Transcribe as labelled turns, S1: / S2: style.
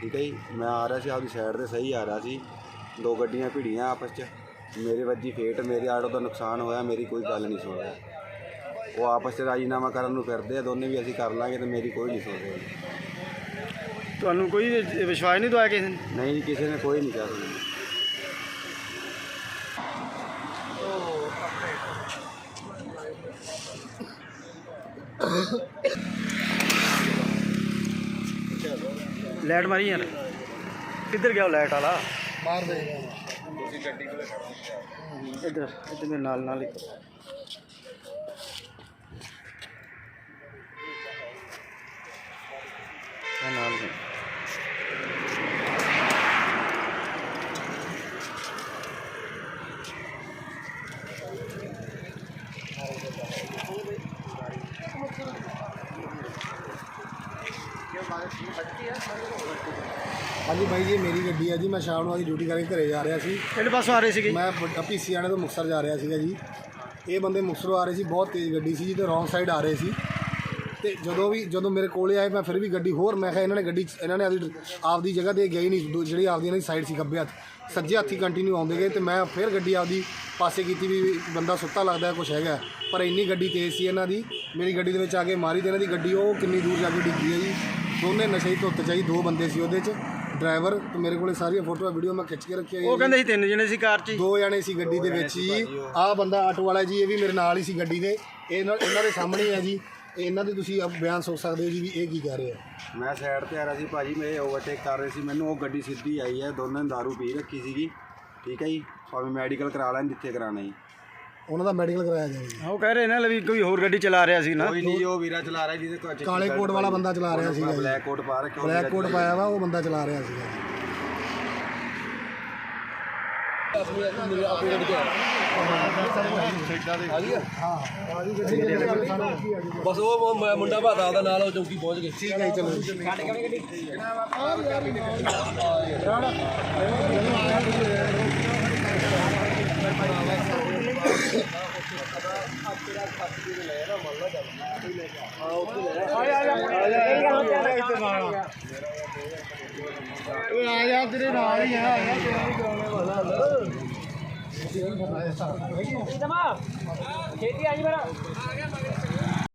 S1: ठीक है जी। मैं आ रहा सी आपकी साइड से सही आ रहा सी, दो गड्डियाँ भिड़ियाँ आपस च, मेरे वजी फेट, मेरे आटो का नुकसान होया, मेरी कोई गल नहीं सुन रहा। वो आपस च राजीनामा करन नूं फिरदे आ, दोने भी असीं कर लांगे, तो मेरी कोई नहीं सुन रही।
S2: ਤੁਹਾਨੂੰ ਕੋਈ ਵਿਸ਼ਵਾਸ ਨਹੀਂ ਦਵਾਇਆ ਕਿਸੇ ਨੇ?
S1: नहीं जी, किसी ने कोई नहीं कहा सुनी।
S2: ਲਾਈਟ ਮਾਰੀ ਯਾਰ, ਕਿੱਧਰ ਗਿਆ ਉਹ ਲਾਈਟ ਵਾਲਾ?
S3: ਮਾਰ ਦੇ
S2: ਇੱਧਰ ਇੱਧਰ ਮੇਰੇ ਨਾਲ ਹੀ ਨਾਲ ਹੀ।
S3: हाँ जी भाई जी, मेरी गड्डी है जी। मैं शाम ਨੂੰ ड्यूटी करके घरे जा रहा सी।
S2: ਕਿਹੜੇ ਪਾਸੋਂ ਆ ਰਹੇ ਸੀਗੇ?
S3: मैं पीसी आने तो मुक्तसर जा रहा सीगा जी। ये बंदे मुक्तसरों आ रहे सी, बहुत तेज़ गड्डी सी जी, तो रॉन्ग साइड आ रहे सी। ਤੇ ਜਦੋਂ ਮੇਰੇ ਕੋਲੇ ਆਏ, ਮੈਂ ਫਿਰ ਵੀ ਗੱਡੀ ਹੋਰ, ਮੈਂ ਕਿਹਾ ਇਹਨਾਂ ਨੇ ਆਪਦੀ ਜਗ੍ਹਾ 'ਤੇ ਗਈ ਨਹੀਂ, ਜਿਹੜੀ ਆਪਦੀ ਇਹਨਾਂ ਦੀ ਸਾਈਡ ਸੀ ਖੱਬੇ ਹੱਥ, ਸੱਜੇ ਹੱਥੀ ਕੰਟੀਨਿਊ ਆਉਂਦੇ ਗਏ, ਤੇ ਮੈਂ ਫਿਰ ਗੱਡੀ ਆਪਦੀ ਪਾਸੇ ਕੀਤੀ ਵੀ ਬੰਦਾ ਸੁੱਤਾ ਲੱਗਦਾ ਕੁਛ ਹੈਗਾ, ਪਰ ਇੰਨੀ ਗੱਡੀ ਤੇਜ਼ ਸੀ ਇਹਨਾਂ ਦੀ, ਮੇਰੀ ਗੱਡੀ ਦੇ ਵਿੱਚ ਆ ਕੇ ਮਾਰੀ, ਤੇ ਇਹਨਾਂ ਦੀ ਗੱਡੀ ਉਹ ਕਿੰਨੀ ਦੂਰ ਜਾ ਕੇ ਡਿੱਗੀ ਹੈ ਜੀ। ਦੋਨੇ ਨਸ਼ੇ ਦੀ ਧੁੱਤ 'ਚ ਜੀ, ਦੋ ਬੰਦੇ ਸੀ ਉਹਦੇ 'ਚ, ਡਰਾਈਵਰ ਤੇ ਮੇਰੇ ਕੋਲੇ ਸਾਰੀਆਂ ਫੋਟੋਆਂ ਵੀਡੀਓ ਮੈਂ ਖਿੱਚ ਕੇ ਰੱਖੀਆਂ।
S2: ਉਹ ਕਹਿੰਦੇ ਸੀ 3 ਜਣੇ ਸੀ ਕਾਰ 'ਚ,
S3: 2 ਜਣੇ ਸੀ ਗੱਡੀ ਦੇ ਵਿੱਚ ਜੀ। ਆਹ ਬੰਦਾ ਆਟੋ ਵਾਲਾ ਜੀ, ਇਹ ਵੀ ਮੇਰੇ ਨਾਲ ਹੀ ਸੀ ਗੱਡੀ ਦੇ, ਇਹਨਾਂ ਦੇ ਸਾਹਮਣੇ ਹੈ ਜੀ। ਇਹਨਾਂ ਦੇ ਤੁਸੀਂ ਬਿਆਨ ਸੁਣ ਸਕਦੇ ਹੋ ਜੀ ਵੀ ਇਹ ਕੀ ਕਹਿ ਰਹੇ ਆ।
S1: मैं साइड ते आ रहा सी भाजी, मेरे ओवरटेक कर रहे सी, मैनू वो गड्डी सीधी आई है, दोनों ने दारू पी रखी सीगी, ठीक है जी। भावें मैडिकल करा लैन जिथे कराना जी,
S3: ਉਹਨਾਂ ਦਾ ਮੈਡੀਕਲ ਕਰਾਇਆ ਜਾਵੇ।
S2: ਉਹ ਕਹਿ ਰਹੇ ਨੇ ਵੀ ਕੋਈ ਹੋਰ ਗੱਡੀ ਚਲਾ ਰਿਹਾ ਸੀ ਨਾ।
S1: कोई नहीं, वो वीरा चला रहा है जिसे
S3: ਕਾਲੇ ਕੋਟ ਵਾਲਾ ਬੰਦਾ ਚਲਾ ਰਿਹਾ ਸੀਗਾ ਜੀ,
S1: ब्लैक कोट पा रखे,
S3: ਬਲੈਕ ਕੋਟ ਪਾਇਆ ਵਾ, ਉਹ ਬੰਦਾ ਚਲਾ ਰਿਹਾ ਸੀਗਾ ਜੀ।
S4: बस वो मुंडा भाता ਉਹਦਾ ਨਾਲ ਉਹ ਚੌਕੀ ਪਹੁੰਚ ਗਏ।
S3: ਠੀਕ ਹੈ ਜੀ, ਚਲੋ ਆ ਜਾ, ਤੇਰੇ ਨਾਲ ਹੀ ਆ ਤੇਰਾ ਵੀ ਕਰਾਉਣੇ ਵਾਲਾ।
S5: ਛੇਤੀ ਆ ਜੀ ਮੇਰਾ